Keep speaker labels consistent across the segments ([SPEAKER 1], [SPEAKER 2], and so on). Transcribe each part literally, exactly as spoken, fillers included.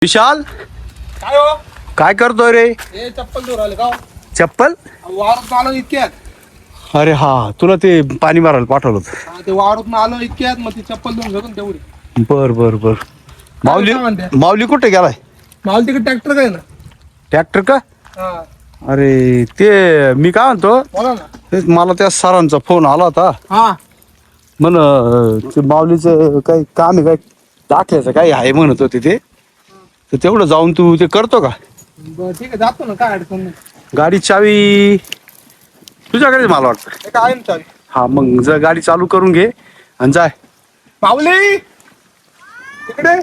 [SPEAKER 1] विशाल
[SPEAKER 2] काय हो
[SPEAKER 1] काय करतोय रे?
[SPEAKER 2] हे चप्पल दूर आले का हो?
[SPEAKER 1] चप्पल?
[SPEAKER 2] वावरात आलो इतक्यात
[SPEAKER 1] अरे हा तुला ते पाणी मारायला पाठवलं होतं.
[SPEAKER 2] हा, ते वावरात आलो इतक्यात मग ती चप्पल धुवून घेतो ना तेवढी.
[SPEAKER 1] बर बर बर माऊली
[SPEAKER 2] काय म्हणते?
[SPEAKER 1] माऊली कुठे गेलाय?
[SPEAKER 2] मला तिकडे ट्रॅक्टर काय ना.
[SPEAKER 1] ट्रॅक्टर का?
[SPEAKER 2] हा
[SPEAKER 1] अरे ते मी काय म्हणतो,
[SPEAKER 2] बोला ना.
[SPEAKER 1] तेच मला त्या सरांचा फोन आला होता.
[SPEAKER 2] हा
[SPEAKER 1] म्हण ते माऊलीचं काही काम आहे, काय दाखल्याचं काही आहे म्हणत होते ते. तर तेवढं जाऊन तू ते करतो का?
[SPEAKER 2] बरं ठीक आहे जातो ना, काय अडचण नाही.
[SPEAKER 1] गाडी चावी तुझ्याकडेच मला वाटतं.
[SPEAKER 2] हे काय आहे ना चावी.
[SPEAKER 1] हा मग जर गाडी चालू करून घे आणि जाय.
[SPEAKER 2] माऊली तिकडे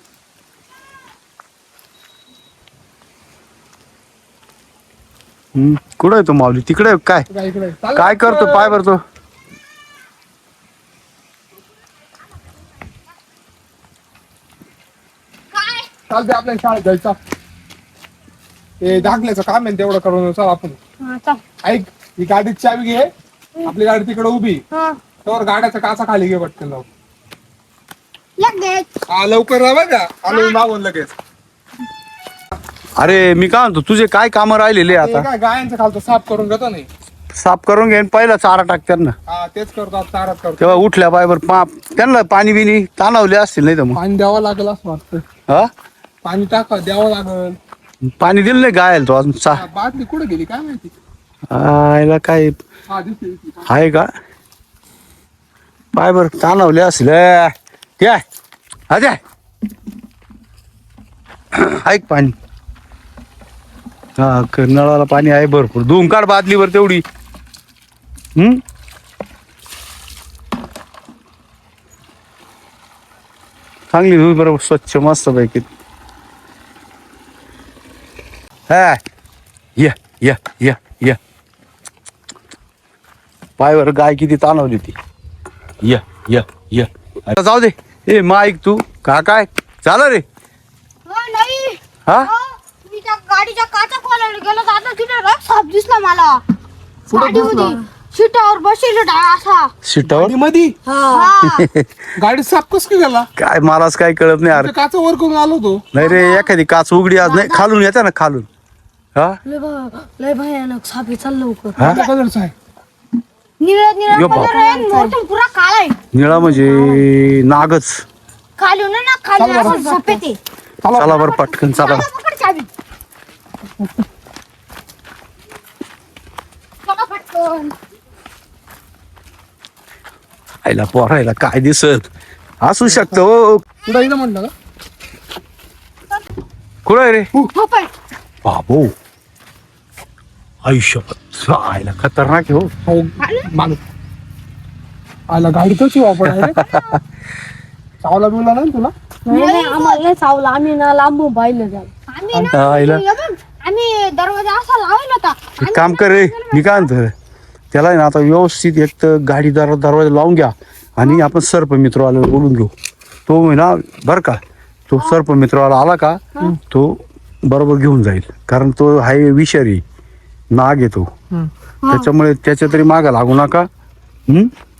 [SPEAKER 1] हम्म कुठं आहे तो माऊली? तिकडे आहे काय?
[SPEAKER 2] काय इकडे चाल
[SPEAKER 1] काय
[SPEAKER 2] ना.
[SPEAKER 1] करतो पाय भरतो?
[SPEAKER 2] चालते आपल्या शाळेत जायचं. ते दाखल्याचं काम आहे ना, तेवढं करून चल आपण.
[SPEAKER 3] हा, चल.
[SPEAKER 2] ऐक ही गाडीची चावी घे, आपली गाडी तिकडे उभी
[SPEAKER 3] हा,
[SPEAKER 2] तर गाड्याचा काचा खाली घे पटकन लावून.
[SPEAKER 3] लगेच.
[SPEAKER 2] हा लवकर राहा बरं का, आलो मी मागून लगेच.
[SPEAKER 1] अरे मी काय म्हणतो, तुझे काय कामं राहिलेले
[SPEAKER 2] ते
[SPEAKER 1] आता?
[SPEAKER 2] काय गायांचं खालचं साफ करून घेतो नाही.
[SPEAKER 1] साफ करून घे आणि पहिला चारा टाक त्यांना.
[SPEAKER 2] हा तेच करतो आता, चारात करतो.
[SPEAKER 1] तेव्हा उठल्या पायवर पा त्यांना पाणी बिनी ताणवले असतील नाही तर मग.
[SPEAKER 2] पाणी द्यावं लागेल असं वाटतं.
[SPEAKER 1] हा
[SPEAKER 2] पाणी टाका द्यावं लागेल.
[SPEAKER 1] पाणी दिलं नाही गायला तो अजून चा
[SPEAKER 2] हा, बाटली कुठे गेली काय माहिती.
[SPEAKER 1] आयला काय
[SPEAKER 2] हा दिसली दिसली.
[SPEAKER 1] आहे का? पाय बर ताणवले असतील. ए, काय अजय ऐक पाणी. हा क- नळाला पाणी आहे भरपूर. धुवून काढ बादलीवर तेवढी. हम्म चांगली धुई बरोबर स्वच्छ मस्त पैकी. हा या या या या पायवर गाय किती ताणवली ती. या या या आता जाऊ दे. ए मा ऐक तू का काय झालं रे?
[SPEAKER 3] हो, नाही.
[SPEAKER 1] हा
[SPEAKER 3] हो, मी त्या गाडीच्या काचा खोलायला गेलो तर आता तिथे रस साप दिसला मला. गाडीमध्ये सीटावर बसेल असा.
[SPEAKER 1] सीटावर
[SPEAKER 2] मध्ये
[SPEAKER 3] हा.
[SPEAKER 2] गाडी साफ कस काय झाला.
[SPEAKER 1] काय मलाच काय कळत नाही अरे.
[SPEAKER 2] काचा वर करून आलो होतो.
[SPEAKER 1] नाही रे एखादी काच उघडी आज नाही खालून येते ना खालून. हा
[SPEAKER 3] लय भ- लय भयानक साप आहे, चल लवकर.
[SPEAKER 1] हा
[SPEAKER 2] कोणत्या कलरचा आहे.
[SPEAKER 3] निळा निळा
[SPEAKER 1] यो बाप.
[SPEAKER 3] कलर आहे, मोठा पुरा काळा आहे.
[SPEAKER 1] निळा म्हणजे नागच.
[SPEAKER 3] खालून आहे ना, खाली
[SPEAKER 2] चल बरं.
[SPEAKER 3] असं सफेद आहे.
[SPEAKER 1] चला बरं पटकन चला.
[SPEAKER 3] चला, पकड चावी. चला पटकन.
[SPEAKER 1] आईला पोरायला काय दिसत असू शकतं हो.
[SPEAKER 2] तुला इथं म्हणलं का.
[SPEAKER 1] कुठं आहे रे?
[SPEAKER 3] हो, पण.
[SPEAKER 1] बाबू आयुष्यपत आईला खतरनाक आहे हो.
[SPEAKER 2] हो माग आला गाडी कशी वापर चावला बिवला नाही ना तुला.
[SPEAKER 3] नाही नाही, आम्हाला नाही चावलं. आम्ही ना लांबून पाहिलं त्याला. आम्ही ना
[SPEAKER 1] आईला
[SPEAKER 3] हे बघ, आम्ही दरवाजा असा लावला होता.
[SPEAKER 1] एक काम कर रे, मी काय म्हणतो त्याला आहे ना आता व्यवस्थित एक तर गाडी दर दरवाजा लावून घ्या आणि आपण सर्प मित्रवाला बोलून घेऊ. तो आहे ना बरं का, तो सर्प मित्रवाला आला का तो बरोबर घेऊन जाईल. कारण तो आहे विषारी नाग येतो, त्याच्यामुळे त्याच्या तरी मागा लागू नका. हम्म